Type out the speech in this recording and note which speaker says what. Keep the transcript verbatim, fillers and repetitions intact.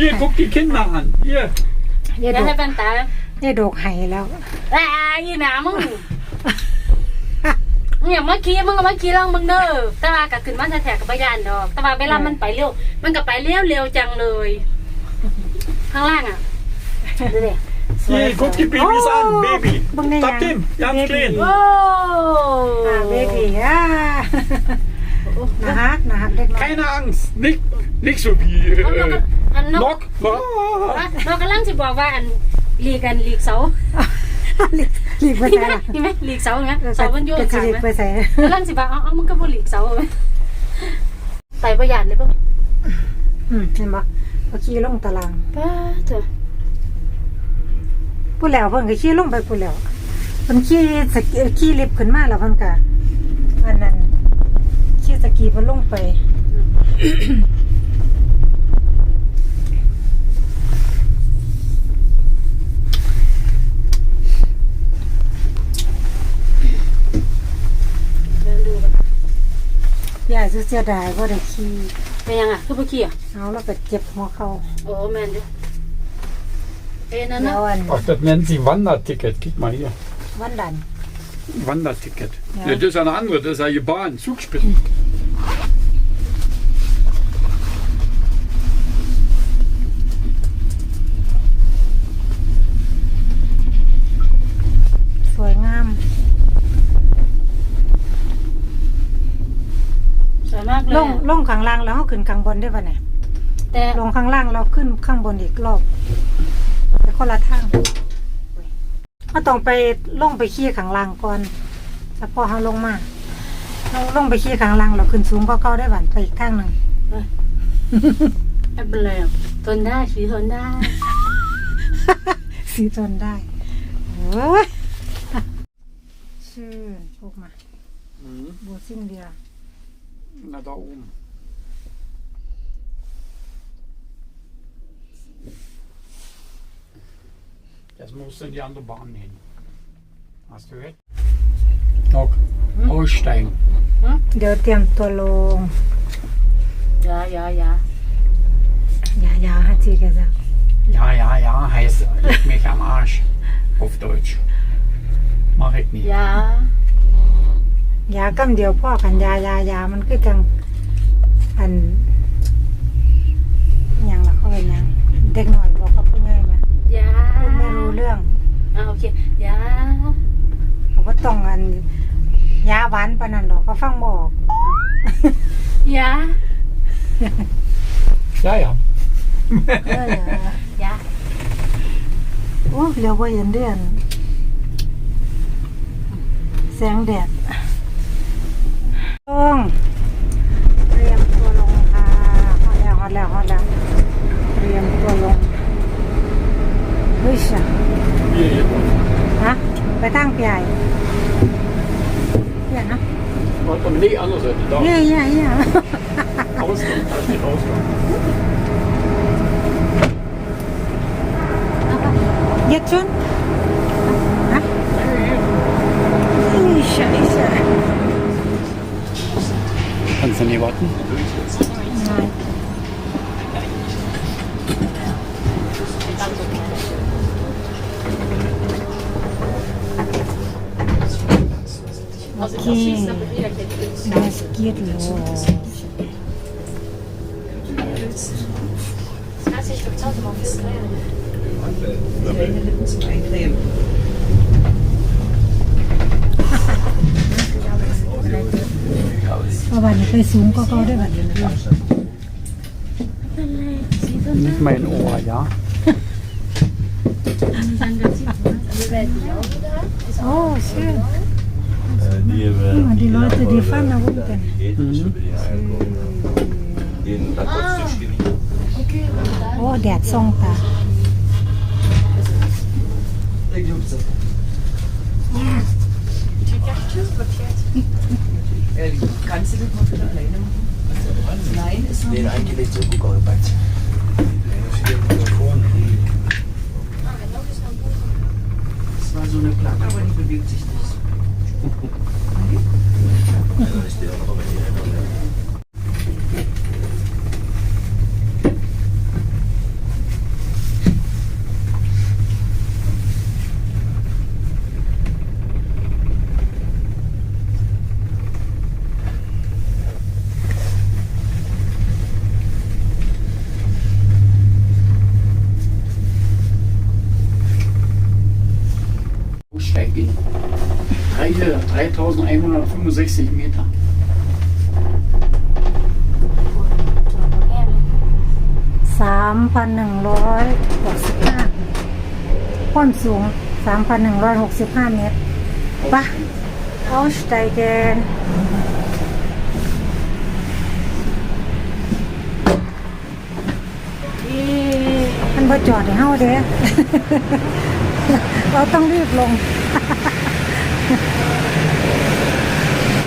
Speaker 1: Hier, guck die Kinder an. Hier.
Speaker 2: อย่า
Speaker 3: อย่า
Speaker 2: โด
Speaker 3: ให้
Speaker 2: ก
Speaker 3: เป็นตา
Speaker 2: อย่าโดกไห้แล้ว
Speaker 3: อ่าอีหนามึงเนี่ยเมื่อกี้มึงก็เมื่อกี้ลองมึงเด้อแต่ว่าก็ขึ้นมาแท้ๆกับพยานดอกแต่ว่าเวลามันไปเร็วมันก็ไปเร็วเร็วจังเลยข้างล่างอ่ะดูดิ
Speaker 1: Hier, guck die Babys an. Baby.
Speaker 2: บังได้ยัง
Speaker 1: Tap dem, ganz klein.
Speaker 3: โอ้
Speaker 2: อ่าเบบีอ่านะฮะนะฮะเด็กน้อย
Speaker 1: Keine Angst. Nicht, nicht so wie
Speaker 3: เอาเราก็
Speaker 1: äh,
Speaker 3: อันนก
Speaker 1: Nock. Ah.
Speaker 3: เรากำลังจะบอกว่าอันหลีกันหลีกเสา
Speaker 2: หลีกหลีกไป
Speaker 3: นี่
Speaker 2: ไหน
Speaker 3: ไหม
Speaker 2: ล่ะ
Speaker 3: นี่ไหมหลีกเสาไหมเสามันอยู่
Speaker 2: กระ
Speaker 3: ข้าง
Speaker 2: หลีก
Speaker 3: ไหม
Speaker 2: ไปใส่
Speaker 3: กำลังสิบอกเอาเอามึงก็บ่หลีกเสาไหมไต่ประหยัดเลยป่ะ
Speaker 2: อืมเห็นปะเอาขี้ลงตาราง
Speaker 3: ป้าเถอะ
Speaker 2: พูดแล้วเพิ่นก็ขี้ลงไปพูดแล้วเพิ่นขี้สกีขี้ลิฟต์ขึ้นมาแล้วเพิ่นก็อันนั้นขี้สกีเพิ่นลงไป
Speaker 3: เดินดูกัน
Speaker 2: ยายเสียดายบ่ได้ขี้
Speaker 3: เป็นยังอ่ะคือบ่ขี้อ่ะ
Speaker 2: เอาแล้วก็เจ็บหัวเข่า
Speaker 3: โอ้แม่นดิเอ็นนั่น
Speaker 2: แล้
Speaker 3: นะ
Speaker 2: วอัน
Speaker 1: Ach, das nennen sie Wanderticket. Guck mal hier.
Speaker 2: วันดัน
Speaker 1: Wanderticket.
Speaker 2: Ja.
Speaker 1: Ja, das ist eine andere. Das ist eine Bahn. Zugspitzen.
Speaker 2: สวยงาม
Speaker 3: สวยมากเลย
Speaker 2: ลงลงข้างล่างแล้วเฮาขึ้นข้างบนได้ป่ะเนี่ย
Speaker 3: แต่
Speaker 2: ลงข้างล่างเราขึ้นข้างบนอีกรอบแต่คนละทางเราต้องไปลงไปขี้ข้างล่างก่อนแล้วพอเราลงมาเราลงไปขี้ข้างล่างเราขึ้นสูงก็เก่าได้บ้านไปอีกทางหนึ่ง
Speaker 3: ไม่เป็นไรหรอกทนได้ชีทนได้
Speaker 2: สีทนได้โอ้ยชื่อพวกมา
Speaker 1: Mhm.
Speaker 2: บูซิ่งเดีย
Speaker 1: Na, da oben. Jetzt musst du in die andere Bahn hin. Hast du gehört? Nock. Aussteigen.
Speaker 2: เดี๋ยวเตรียมตัวลง
Speaker 3: ยายายา
Speaker 2: อย่าอย่าฮัจีกันจ้ะ
Speaker 1: Ja, ja, ja, heißt leg mich am Arsch. Auf Deutsch. Mach ich nicht.
Speaker 3: ยา
Speaker 2: อย่ากำเดียวพ่อกันอยาอยาอยามันคือจังอันอหย่างละเขาเป็นหยังเด็กหน่อยบอกกับผู้ใหญ่ไหม
Speaker 3: ยา
Speaker 2: พูดไม่รู้เรื่อง
Speaker 3: อ่าโอเคยา
Speaker 2: เขาก็ต้องอันยาหวานปานนั้นดอกก็ฟังบออก
Speaker 3: ยา
Speaker 1: Ja, ja.
Speaker 2: เออย
Speaker 3: า
Speaker 2: โอ้เรียวว่าเห็นเดือนแสงแดดลงเตรียมตัวลงค่ะฮอดแล้วฮอดแล้วฮอดแล้วเตรียมตัวลงเฮ้ยช่ะ
Speaker 1: Hier, hier.
Speaker 2: ฮะไปตั้งพี่ใหญ่เดี๋ยวนะ
Speaker 1: Warte, nee, andere Seite. Da.
Speaker 2: เย่เย่เย่
Speaker 1: Ausgang. Da steht Ausgang.
Speaker 2: Jetzt schon? Ha? Ih, Scheiße.
Speaker 1: Kannst du nicht warten?
Speaker 2: Nein. Okay, das geht los.
Speaker 4: Zum Eincremen.
Speaker 2: เพราะวันนี้ไปสูงก็เขาได้บัดนี้
Speaker 1: Nicht mein Ohr, ja?
Speaker 2: Oh, schön.
Speaker 5: Die,
Speaker 2: Ja, die Leute, die fahren da runter.
Speaker 1: Mhm.
Speaker 5: Den Akkordstisch
Speaker 2: Oh, แดดส่องตา
Speaker 4: Kannst du das mal bitte alleine machen? Nein, ist noch
Speaker 5: Den
Speaker 4: nicht.
Speaker 5: eingelegt, so guck auch bald.
Speaker 4: Das war so eine Platte, aber die bewegt sich nicht.
Speaker 1: eintausendeinhundertfünfundsechzig Meter.
Speaker 2: สามพันหนึ่งร้อยหกสิบห้าความสูงสามพันหนึ่งร้อยหกสิบห้าเมตรปะเอาสไตเกนมันพอจอดให้เฮาเด้ เราต้องรีบลง